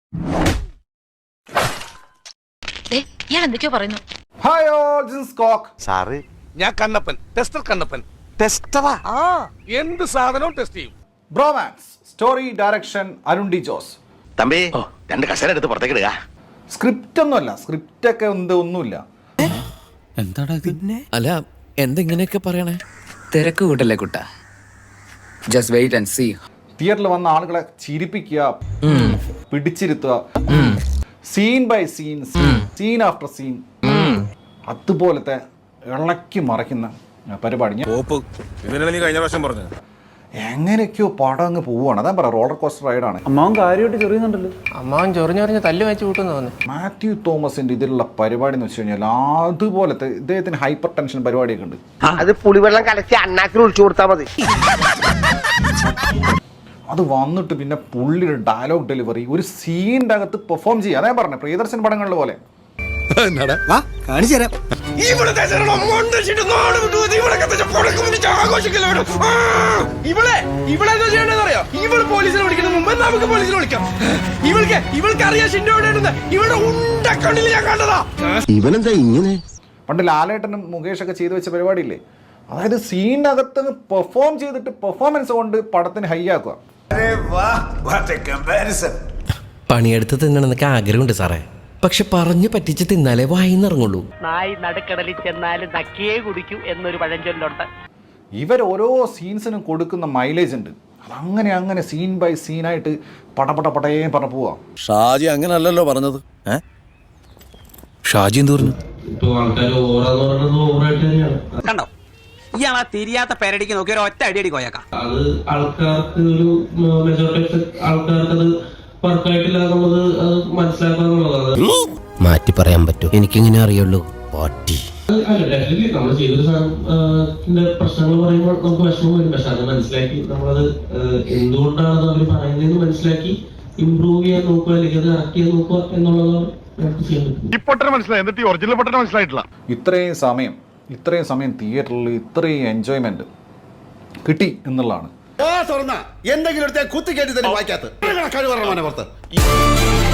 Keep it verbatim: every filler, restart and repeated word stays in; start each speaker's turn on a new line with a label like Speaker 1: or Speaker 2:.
Speaker 1: ഞാൻ എന്തൊക്കെയോ പറയുന്നു.
Speaker 2: ഹായ് ഓൾ, ദിസ് ഈസ് കോക്ക്.
Speaker 3: സാറ്
Speaker 4: ഞാൻ കണ്ണപ്പൻ, ടെസ്റ്റർ കണ്ണപ്പൻ.
Speaker 3: ടെസ്റ്ററാ?
Speaker 4: ആ എന്ത് സാധനവും ടെസ്റ്റ് ചെയ്യും.
Speaker 2: Bromance, story direction Arun D Jose.
Speaker 3: തമ്പി രണ്ട് കസേര എടുത്ത് പുറത്തേക്ക് ഇടുക.
Speaker 2: സ്ക്രിപ്റ്റ് ഒന്നുമല്ല, സ്ക്രിപ്റ്റ് ഒക്കെ എന്ത് ഒന്നുമില്ല.
Speaker 5: എന്താടാ പിന്നെ? അല്ല എന്തെങ്ങനെയൊക്കെ പറയണേ? തിരക്ക് കൂട്ടല്ലേ കുട്ട. Just wait and see.
Speaker 2: തിയേറ്ററിൽ വന്ന ആളുകളെ ചിരിപ്പിക്കുക, പിടിച്ചിരുത്തുക, scene by scene, scene after scene, അതുപോലത്തെ ഇളക്കി മറിക്കുന്ന പരിപാടി. ഞാൻ
Speaker 4: കഴിഞ്ഞ പ്രാവശ്യം പറഞ്ഞു
Speaker 2: എങ്ങനെയൊക്കെയോ പടം അങ്ങ് പോവുകയാണ്. അതാ പറയാം, റോളർ കോസ്റ്റർ റൈഡാണ്.
Speaker 6: അമ്മാവൻ കാര്യമായിട്ട് ചെറിയുന്നുണ്ടല്ലോ.
Speaker 7: അമ്മാവൻ ചൊറിഞ്ഞൊറിഞ്ഞ് തല്ല് വെച്ച് കൂട്ടുന്നു തോന്നുന്നു.
Speaker 2: മാത്യു തോമസിന്റെ ഇതിലുള്ള പരിപാടി എന്ന് വെച്ച് കഴിഞ്ഞാൽ അതുപോലത്തെ ഇദ്ദേഹത്തിന് ഹൈപ്പർ ടെൻഷൻ പരിപാടിയൊക്കെ ഉണ്ട്.
Speaker 8: അത് പുളിവെള്ളം കലച്ച് അണ്ണാക്കിൽ ഒഴിച്ചു കൊടുത്താൽ മതി.
Speaker 2: അത് വന്നിട്ട് പിന്നെ പുള്ളിയുടെ ഡയലോഗ് ഡെലിവറി ഒരു സീനിന്റെ അകത്ത് പെർഫോം ചെയ്യുക. അതേ പറഞ്ഞത് പ്രിയദർശൻ പടങ്ങളിലെ പോലെ.
Speaker 4: ഇവളെ ഇവളെ എന്താ ചെയ്യണ്ടെന്നറിയോ? ഇവള് പോലീസിനെ വിളിക്കുന്ന മുമ്പ് നമുക്ക് പോലീസിനെ വിളിക്കാം. ഇവൾക്ക് ഇവൾക്ക് അറിയാം ഷിൻഡോ എവിടെയാണെന്ന്. ഇവളുടെ ഉണ്ടക്കണ്ണിൽ ഞാൻ കണ്ടതാ.
Speaker 8: ഇവനെന്താ ഇങ്ങനെ?
Speaker 2: പണ്ട് ലാലേട്ടനും മുകേഷൊക്കെ ചെയ്തു വെച്ച പരിപാടിയില്ലേ, അതായത് സീനകത്ത് പെർഫോം ചെയ്തിട്ട് പെർഫോമൻസ് കൊണ്ട് പടത്തിന് ഹൈ ആക്കുക.
Speaker 9: പണിയെടുത്ത് തിന്നണമെന്നൊക്കെ ആഗ്രഹമുണ്ട് സാറേ, പക്ഷെ പറഞ്ഞു പറ്റിച്ച് തിന്നാലേ വായിന്നിറങ്ങുള്ളൂ.
Speaker 8: നായി നടുക്കടലിൽ ചെന്നാലും നക്കിയേ കുടിക്കൂ എന്നൊരു പഴഞ്ചൊല്ലുണ്ട്.
Speaker 2: ഇവർ ഓരോ സീൻസിനും കൊടുക്കുന്ന മൈലേജ് ഉണ്ട്. അതങ്ങനെ അങ്ങനെ സീൻ ബൈ സീനായിട്ട് പടപട പടയേ പറഞ്ഞ പോവാ.
Speaker 10: ഷാജി അങ്ങനല്ലല്ലോ പറഞ്ഞത്.
Speaker 9: ഷാജി എന്ത് പറഞ്ഞു?
Speaker 7: കണ്ടോ ഇയാളാ തിരിയാത്ത പേരടിക്ക് നോക്കി ഒരു ഒറ്റ അടി അടി കോയക്കാം.
Speaker 11: അത് ആൾക്കാർക്ക് ഒരു മെജോറിറ്റി ആൾക്കാർക്ക് അത് വർക്കായിട്ടില്ല എന്നുള്ളത് അത് മനസ്സിലാക്കാന്നുള്ളതാണ്.
Speaker 9: മാറ്റി പറയാൻ പറ്റും, എനിക്കിങ്ങനെ അറിയുള്ളൂ. പാട്ടി
Speaker 11: നമ്മൾ ചെയ്തൊരു സാധനത്തിന്റെ പ്രശ്നങ്ങൾ പറയുമ്പോൾ നമുക്ക് വിഷമം വരും. പക്ഷെ അത് മനസ്സിലാക്കി നമ്മളത് എന്തുകൊണ്ടാണ് അവർ പറയുന്നതെന്ന് മനസ്സിലാക്കി ഇംപ്രൂവ് ചെയ്യാൻ നോക്കുക, അല്ലെങ്കിൽ അത് കറക്റ്റ് ചെയ്യാൻ നോക്കുക എന്നുള്ളതാണ് നമുക്ക് ചെയ്യാൻ പറ്റും.
Speaker 2: ഇത്രയും സമയം ഇത്രയും സമയം തിയേറ്ററിൽ ഇത്രയും എൻജോയ്മെന്റ് കിട്ടി എന്നുള്ളതാണ്.
Speaker 10: എന്തെങ്കിലും കുത്തി കയറ്റി തന്നെ വായിക്കാത്ത കഴിവ് പുറത്ത്